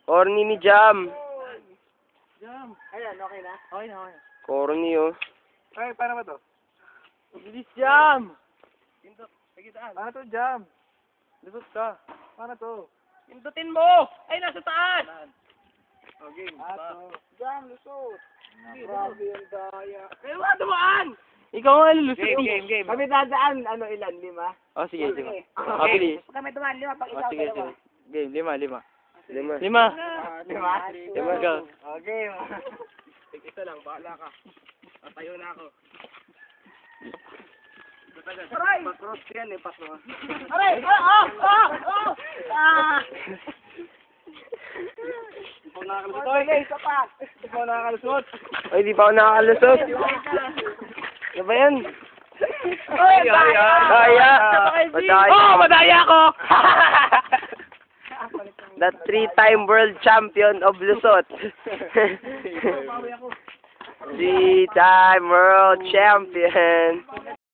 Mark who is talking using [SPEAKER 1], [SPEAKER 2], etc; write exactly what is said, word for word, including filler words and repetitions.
[SPEAKER 1] Corny ni Jam.
[SPEAKER 2] Jam. Ayan, okay na? Okay na, okay na.
[SPEAKER 1] Corny, oh.
[SPEAKER 2] Ay, paano ba to? Bilis, Jam! Pindot, pagitaan. Paano to, Jam? Lusot ka. Paano to? Pindutin mo! Ay, nasa taas! Oh, game. Ato. Jam, lusot. Grabe yung daya. Kaya nga, dumaan!
[SPEAKER 1] Ikaw nga lulusot.
[SPEAKER 2] Game, game, game. Kami dadaan, ano, ilan? Lima?
[SPEAKER 1] Oh, sige, sige.
[SPEAKER 2] Okay.
[SPEAKER 1] Oh, bilis.
[SPEAKER 2] Kami dumaan, lima pag
[SPEAKER 1] Oh,
[SPEAKER 2] ikaw
[SPEAKER 1] sige,
[SPEAKER 2] dalawa.
[SPEAKER 1] sige. Game, lima, lima. Lima.
[SPEAKER 2] Lima?
[SPEAKER 1] Lima.
[SPEAKER 2] Lima.
[SPEAKER 1] Go.
[SPEAKER 2] Okay. Isa lang, bahala ka. Tatayo na ako. Aray! Patros yan eh, patros. Aray! Ah! Ah! Ah! Ah! Hindi pa ako nakakalusot. Okay, isa pa. Hindi pa ako nakakalusot.
[SPEAKER 1] Ay, di pa ako nakakalusot. Ano ba yan?
[SPEAKER 2] Ay,
[SPEAKER 1] Daya! Daya! Madaya!
[SPEAKER 2] Oh, madaya ko!
[SPEAKER 1] The three-time world champion of Lusot. Three-time world champion.